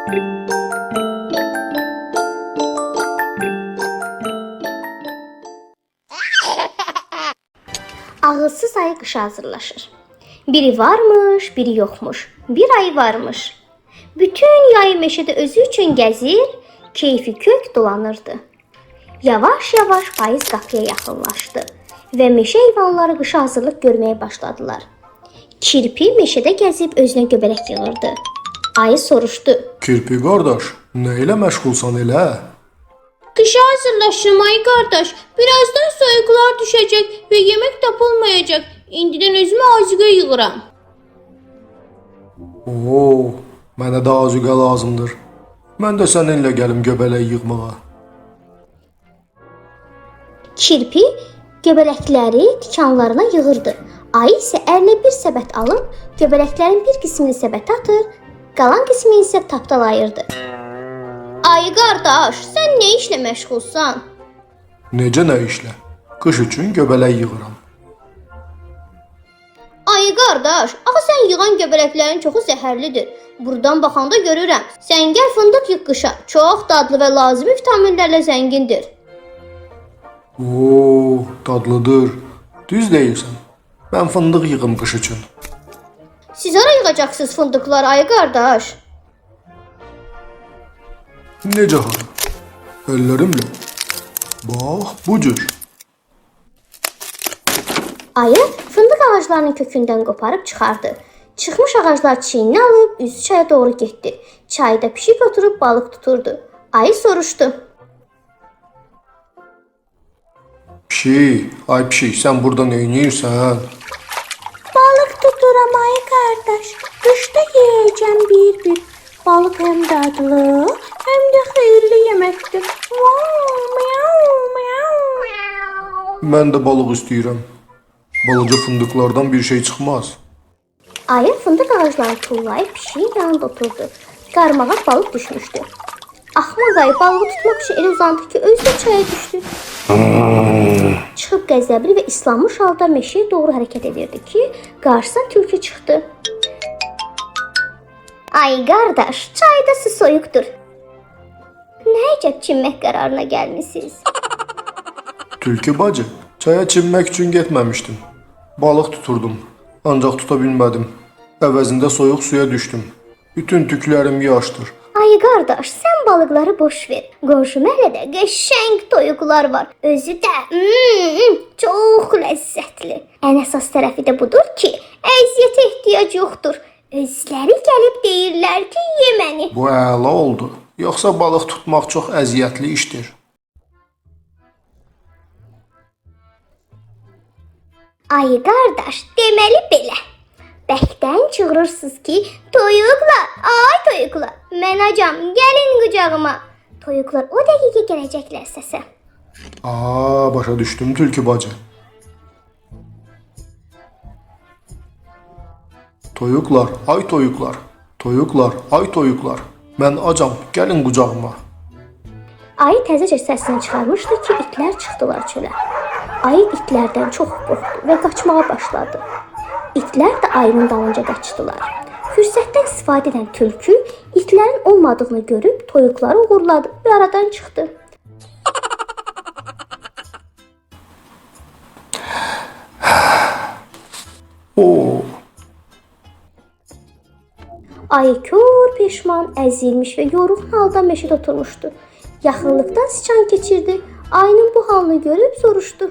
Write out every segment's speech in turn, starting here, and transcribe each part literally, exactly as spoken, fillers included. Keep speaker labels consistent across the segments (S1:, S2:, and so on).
S1: Ağılsız ayı qışa hazırlaşır. Biri varmış, biri yoxmuş. Bir ayı varmış. Bütün yayı meşədə özü üçün gəzir, keyfi kök dolanırdı. Yavaş-yavaş payız qapıya yaxınlaşdı və meşə heyvanları qışa hazırlıq görməyə başladılar. Kirpi meşədə gəzib özünə göbələk yığırdı. Ayı soruşdu.
S2: Kirpi qardaş, nə ilə məşğulsan elə?
S3: Qışa hazırlaşım ay qardaş. Birazdan soyuqlar düşəcək və yemək tapılmayacaq. İndidən özümə azuqə yığıram.
S2: Oo, mənə də azuqə lazımdır. Mən də səninlə gəlim göbələk yığmağa.
S1: Kirpi göbələkləri tikanlarına yığırdı. Ayı isə əlinə bir səbət alıb göbələklərin bir qismini səbətə atır, qalan qismini isə tapdalayırdı. Ayı qardaş, sən nə işlə məşğulsan?
S2: Necə nə işlə? Qış üçün göbələk yığıram.
S1: Ayı qardaş, axı sən yığan göbələklərin çoxu zəhərlidir. Buradan baxanda görürəm. Sən gəl fındıq yığ qışa. Çox dadlı və lazımi vitaminlərlə zəngindir.
S2: Oo, dadlıdır. Düz deyirsən. Mən fındıq yığım qış üçün.
S1: Siz hara yığacaqsınız fındıqlar ayı qardaş?
S2: Necə hara? Əllərimlə. Bax, bu cür.
S1: Ayı fındıq ağaclarının kökündən qoparıb çıxardı. Çıxmış ağaclar çiyninə alıb üzü çaya doğru getdi. Çayda pişik oturub balıq tuturdu. Ayı soruşdu.
S2: Pişik, ay pişik, sən burada nə edirsən?
S1: Balıq tuturam ayı qardaş. Qışda yeyəcəm bir-bir. Balıq həm dadlı, həm də xeyirli yeməkdir.
S2: Mən də balıq istəyirəm. Balaca fındıqlardan bir şey çıxmaz.
S1: Ayı fındıq ağaclarını tullayıb pişiyin yanında oturdu. Qarmağa balıq düşmüşdü. Axmaq ayı balığı tutmaq üçün elə uzandı ki, özü də çaya düşdü. Çıxıb qəzəbli və islanmış halda meşəyə doğru hərəkət edirdi ki, qarşısına tülkü çıxdı. Ay qardaş, çayda su soyuqdur. Nə əcəb çimmək qərarına gəlmisiniz?
S2: Tülkü bacı, çaya çimmək üçün getməmişdim. Balıq tuturdum, ancaq tuta bilmədim. Əvəzində soyuq suya düşdüm. Bütün tüklərim yaşdır.
S1: Ay qardaş, sən balıqları boş ver. Qonşu məhəllədə qəşəng toyuqlar var. Özü də mm, çox ləzzətli. Ən əsas tərəfi də budur ki, əziyyətə ehtiyac yoxdur. Özləri gəlib deyirlər ki, ye məni.
S2: Bu əla oldu. Yoxsa balıq tutmaq çox əziyyətli işdir.
S1: Ay qardaş, deməli belə. Bəkdən çığırırsınız ki, toyuqlar, ay toyuqlar, mən acam, gəlin qucağıma. Toyuqlar o dəqiqə gələcəklər səsə.
S2: Aa, başa düşdüm tülkü bacı. Toyuqlar, ay toyuqlar, toyuqlar, ay toyuqlar, mən acam, gəlin qucağıma.
S1: Ayı təzəcə səsini çıxarmışdı ki, itlər çıxdılar çölə. Ayı itlərdən çox qorxdu və qaçmağa başladı. İtlər də ayının dalınca qaçdılar. Fürsətdən istifadə edən tülkü itlərin olmadığını görüb toyuqları uğurladı və aradan çıxdı.
S2: Oo.
S1: Ayı kör peşman, əzilmiş və yorğun halda meşədə oturmuşdu. Yaxınlıqdan sıçan keçirdi. Ayının bu halını görüb soruşdu.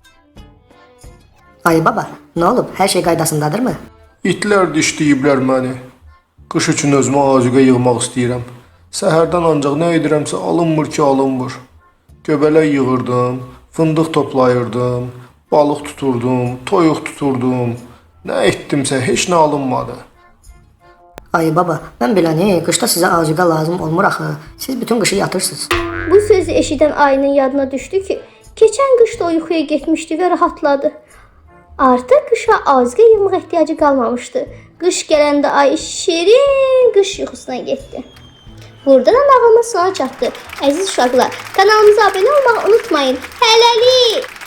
S4: Ayı baba, nə olub? Hər şey qaydasındadırmı?
S2: İtlər dişləyiblər məni. Qış üçün özümə azuqə yığmaq istəyirəm. Səhərdən ancaq nə edirəmsə alınmır ki, alınmır. Göbələk yığırdım, fındıq toplayırdım, balıq tuturdum, toyuq tuturdum. Nə etdimsə heç nə alınmadı.
S4: Ayı baba, mən biləni, qışda sizə azuqə lazım olmur axı. Siz bütün qışı yatırsınız.
S1: Bu sözü eşidən ayının yadına düşdü ki, keçən qışda o yuxuya getmişdi və rahatladı. Artıq qışa azuqə yığmaq ehtiyacı qalmamışdı. Qış gələndə ay şirin qış yuxusuna getdi. Burada da nağılımız sona çatdı. Əziz uşaqlar, kanalımıza abunə olmağı unutmayın. Hələlik!